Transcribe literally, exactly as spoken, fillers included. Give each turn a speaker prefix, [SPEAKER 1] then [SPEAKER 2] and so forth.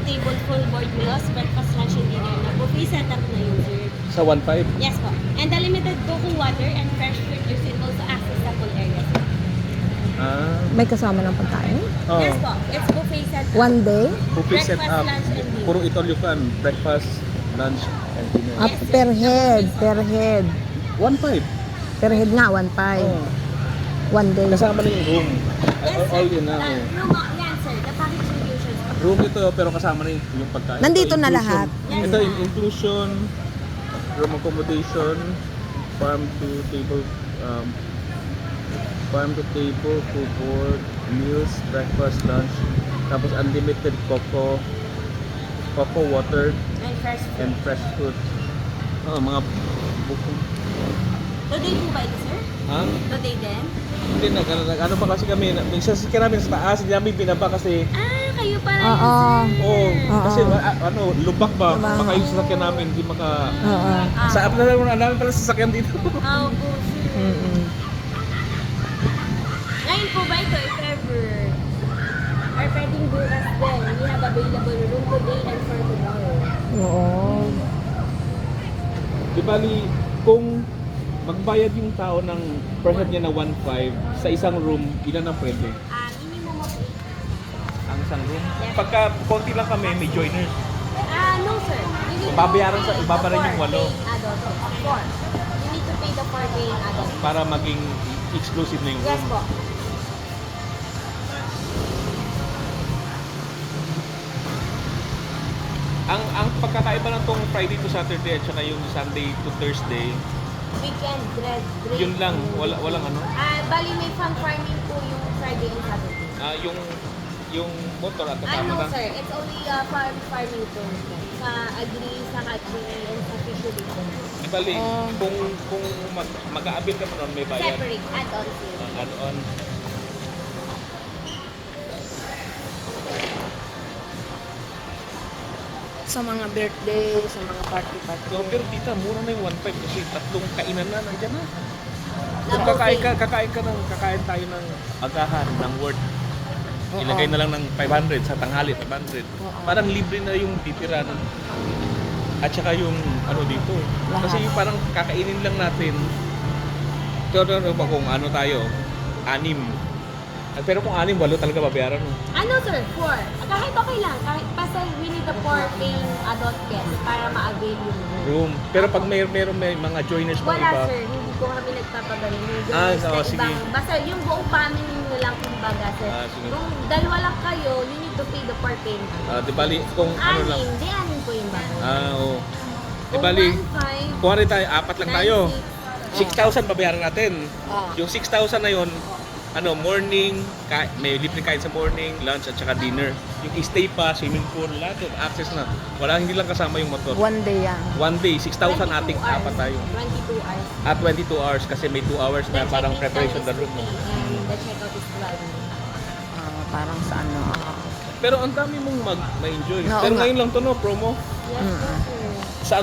[SPEAKER 1] table, full board meals, breakfast, lunch, and dinner na. Buffet setup na yun, sir.
[SPEAKER 2] Sa one five?
[SPEAKER 1] Yes po. And the limited Goku water and fresh fruit juice and also access sa pool area.
[SPEAKER 2] Ah.
[SPEAKER 3] May kasama ng pagkain?
[SPEAKER 2] Oh.
[SPEAKER 1] Yes po. It's buffet setup.
[SPEAKER 3] One day?
[SPEAKER 2] Buffet set
[SPEAKER 1] Breakfast,
[SPEAKER 2] up.
[SPEAKER 1] lunch, and dinner.
[SPEAKER 2] Puro ito you can. Breakfast, lunch, and dinner.
[SPEAKER 3] Up per head, per head.
[SPEAKER 2] one five.
[SPEAKER 3] Per head nga, one five.
[SPEAKER 2] Oh.
[SPEAKER 3] One day.
[SPEAKER 2] Kasama na yung room.
[SPEAKER 1] Yes,
[SPEAKER 2] All,
[SPEAKER 1] sir.
[SPEAKER 2] all yun na.
[SPEAKER 1] Uh,
[SPEAKER 2] Oh.
[SPEAKER 1] room, uh, yan, sir. The package inclusions.
[SPEAKER 2] Room ito pero kasama na yung, yung pagkain.
[SPEAKER 3] Nandito
[SPEAKER 2] Ito,
[SPEAKER 3] na
[SPEAKER 2] inclusion.
[SPEAKER 3] lahat.
[SPEAKER 1] Yes,
[SPEAKER 2] Ito
[SPEAKER 1] sir.
[SPEAKER 2] yung inclusion, room accommodation, farm to table, um, farm to table, food board, meals, breakfast, lunch, tapos unlimited cocoa, cocoa water,
[SPEAKER 1] And fresh fruit.
[SPEAKER 2] and fresh fruit. Oh, mga buko.
[SPEAKER 1] Today po ba ito, sir?
[SPEAKER 2] Ha?
[SPEAKER 1] Today din?
[SPEAKER 2] Hindi na, ano, ano pa kasi kami, na- minsan sikya namin sa taas, hindi namin binaba kasi,
[SPEAKER 1] Ah, kayo pala
[SPEAKER 3] Oo.
[SPEAKER 1] yun, sir.
[SPEAKER 2] oh,
[SPEAKER 3] Oo.
[SPEAKER 2] kasi a- ano, lubak ba,
[SPEAKER 3] Lubak.
[SPEAKER 2] baka yung sasakyan namin, hindi maka,
[SPEAKER 3] Oo.
[SPEAKER 1] Ah,
[SPEAKER 2] sa na lang namin pala sasakyan dito.
[SPEAKER 1] ah, po, sir.
[SPEAKER 3] Mm-mm.
[SPEAKER 1] Ngayon po ba ito, if ever, or pwedeng bukas din, we have available room today and for tomorrow.
[SPEAKER 3] Oo.
[SPEAKER 2] Di bali, kung magbayad yung tao ng per head niya na one five sa isang room, ilan ang pwede?
[SPEAKER 1] Ah, minimum of eight.
[SPEAKER 2] Ang isang room? Pagka konti lang kami, may joiners.
[SPEAKER 1] Ah, no, sir. You need to
[SPEAKER 2] Babayaran sa-
[SPEAKER 1] pay
[SPEAKER 2] ibabayaran
[SPEAKER 1] the
[SPEAKER 2] yung
[SPEAKER 1] four
[SPEAKER 2] walo.
[SPEAKER 1] paying adult. Of course. You need to pay the four paying adult.
[SPEAKER 2] Para maging exclusive na yung
[SPEAKER 1] Yes
[SPEAKER 2] room.
[SPEAKER 1] po.
[SPEAKER 2] Ang ang pagkakaiba lang tong Friday to Saturday at saka yung Sunday to Thursday,
[SPEAKER 1] Weekend, dread, break.
[SPEAKER 2] yun lang, wala walang ano.
[SPEAKER 1] Ah, bali may farm farming po yung Friday and Saturday.
[SPEAKER 2] Ah, yung yung motor at
[SPEAKER 1] Ah,
[SPEAKER 2] kasama
[SPEAKER 1] no,
[SPEAKER 2] na.
[SPEAKER 1] sir. It's only uh, farm farming po. Sa agri, sa hatchery, and sa fishery po.
[SPEAKER 2] Di bali,
[SPEAKER 3] Oh.
[SPEAKER 2] kung kung mag, mag-aabil ka pa nun, may bayad.
[SPEAKER 1] Separate, add-on sale.
[SPEAKER 2] Ang add-on.
[SPEAKER 3] Sa mga birthday, sa mga party-party.
[SPEAKER 2] So, pero tita, mura na yung one five kasi tatlong kainan na, nandiyan na. Kung
[SPEAKER 1] Na
[SPEAKER 2] kakain ka,
[SPEAKER 1] buffet.
[SPEAKER 2] kakain ka ng, kakain tayo ng agahan, ng worth.
[SPEAKER 3] Oo.
[SPEAKER 2] Ilagay na lang ng five hundred sa tanghali, five hundred.
[SPEAKER 3] Oo.
[SPEAKER 2] Parang libre na yung titiran. At saka yung ano dito.
[SPEAKER 3] Lahat.
[SPEAKER 2] Kasi yung parang kakainin lang natin. Ito, ito, ito, kung ano tayo, anim. At pero kung anim, walo talaga babayaran mo.
[SPEAKER 1] Ano, sir? Four. Ah, Kahit okay lang. Kahit basta we need the four paying adult guests para ma-avail yung room.
[SPEAKER 2] Room. Pero pag may, meron may mga joiners pang
[SPEAKER 1] Wala,
[SPEAKER 2] iba,
[SPEAKER 1] sir. Hindi ko kami nagpapadala. Yung
[SPEAKER 2] Ah,
[SPEAKER 1] joiners
[SPEAKER 2] oo,
[SPEAKER 1] na
[SPEAKER 2] sige.
[SPEAKER 1] ibang- Basta yung buong family nyo lang kumbaga, sir.
[SPEAKER 2] Ah, sige.
[SPEAKER 1] Kung dalawa lang kayo, you need to pay the four paying adult.
[SPEAKER 2] ah, di bali, kung ano lang.
[SPEAKER 1] Anim, di anim po yung bago.
[SPEAKER 2] Ah, oo. Di
[SPEAKER 1] Kung
[SPEAKER 2] bali,
[SPEAKER 1] one, five,
[SPEAKER 2] kuha rin tayo, apat lang
[SPEAKER 1] nine,
[SPEAKER 2] tayo.
[SPEAKER 1] six,
[SPEAKER 2] six thousand babayaran natin.
[SPEAKER 3] Ah.
[SPEAKER 2] Yung six thousand na yun, ano, morning, ka- may libre kain sa morning, lunch at saka dinner. Yung stay pa, swimming pool, lahat yun, access na. Wala, hindi lang kasama yung motor.
[SPEAKER 3] One day yan.
[SPEAKER 2] One day, six thousand ating
[SPEAKER 1] twenty-two
[SPEAKER 2] apat tayo.
[SPEAKER 1] hours. twenty-two hours.
[SPEAKER 2] At twenty-two hours kasi may two hours na
[SPEAKER 1] The
[SPEAKER 2] parang
[SPEAKER 1] check-in
[SPEAKER 2] preparation
[SPEAKER 1] time
[SPEAKER 2] the
[SPEAKER 1] is
[SPEAKER 2] room.
[SPEAKER 1] fifty and the checkout is twelve.
[SPEAKER 3] Ah, parang sa ano. ah.
[SPEAKER 2] Pero ang dami mong mag- ma-enjoy.
[SPEAKER 3] Oo
[SPEAKER 2] Pero
[SPEAKER 3] nga.
[SPEAKER 2] ngayon lang to no, promo.
[SPEAKER 1] Yes,
[SPEAKER 3] Mm.
[SPEAKER 1] po, sir.